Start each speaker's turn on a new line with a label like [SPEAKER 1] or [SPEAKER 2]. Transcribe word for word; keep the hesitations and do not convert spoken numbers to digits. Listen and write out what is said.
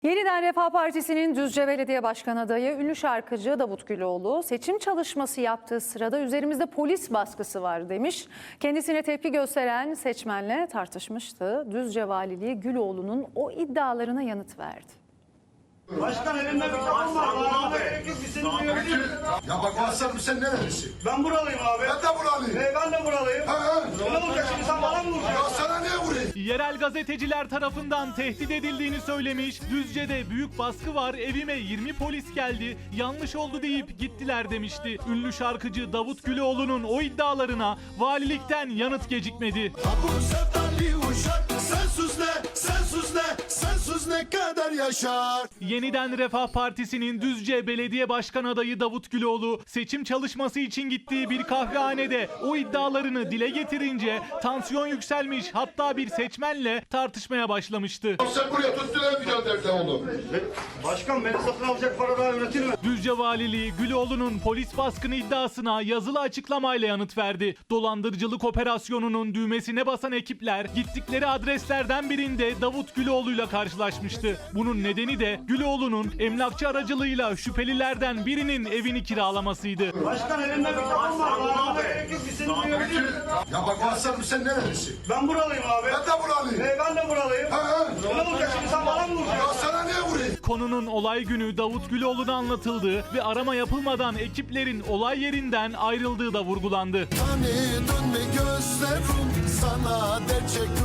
[SPEAKER 1] Yeniden Refah Partisi'nin Düzce Belediye Başkanı adayı ünlü şarkıcı Davut Güloğlu seçim çalışması yaptığı sırada üzerimizde polis baskısı var demiş. Kendisine tepki gösteren seçmenle tartışmıştı. Düzce Valiliği Güloğlu'nun o iddialarına yanıt verdi.
[SPEAKER 2] Başkan elimde mikrofon var. Bağlamana gerek yok. Biz seni duyabiliriz.
[SPEAKER 3] Ya bak aslanım sen nerelisin?
[SPEAKER 2] Ben buralıyım abi.
[SPEAKER 3] Ben de buralıyım.
[SPEAKER 2] Ee, ben de buralıyım.
[SPEAKER 3] Ha ha.
[SPEAKER 2] Ne olacak şimdi, sen bana mı
[SPEAKER 3] Ya
[SPEAKER 2] vuracaksın?
[SPEAKER 3] sana niye vurayım?
[SPEAKER 4] Yerel gazeteciler tarafından tehdit edildiğini söylemiş, Düzce'de büyük baskı var, evime yirmi polis geldi, yanlış oldu deyip gittiler demişti. Ünlü şarkıcı Davut Güloğlu'nun o iddialarına valilikten yanıt gecikmedi.
[SPEAKER 3] Bu sevdali uşak sensiz ne, sensiz ne, sensiz ne kadar yaşar?
[SPEAKER 4] Yeniden Refah Partisi'nin Düzce Belediye Başkan adayı Davut Güloğlu seçim çalışması için gittiği bir kahvehanede o iddialarını dile getirince tansiyon yükselmiş, hatta bir seçmenle tartışmaya başlamıştı.
[SPEAKER 3] Sen buraya tuttular gönderdi oğlum.
[SPEAKER 2] Başkan beni satın alacak para daha üretir mi?
[SPEAKER 4] Düzce Valiliği Güloğlu'nun polis baskını iddiasına yazılı açıklamayla yanıt verdi. Dolandırıcılık operasyonunun düğmesine basan ekipler gittikleri adreslerden birinde Davut Güloğlu'yla karşılaşmıştı. Bunun nedeni de Güloğlu'nun emlakçı aracılığıyla şüphelilerden birinin evini kiralamasıydı.
[SPEAKER 2] Başkan elimde mikrofon var. Bağlamana gerek yok. Biz seni duyabiliriz.
[SPEAKER 3] Ya bak aslanım sen nerelisin?
[SPEAKER 2] Ben buralıyım abi.
[SPEAKER 3] Ben de buralıyım.
[SPEAKER 2] Ee, ben de buralıyım.
[SPEAKER 3] Ha ha.
[SPEAKER 2] Ne olacak şimdi, sen bana mı
[SPEAKER 3] Ya
[SPEAKER 2] vuracaksın?
[SPEAKER 3] sana niye vurayım?
[SPEAKER 4] Konunun olay günü Davut Güloğlu'na anlatıldığı ve arama yapılmadan ekiplerin olay yerinden ayrıldığı da vurgulandı.
[SPEAKER 3] Tanıdın mı gözlerim sana dert çekti.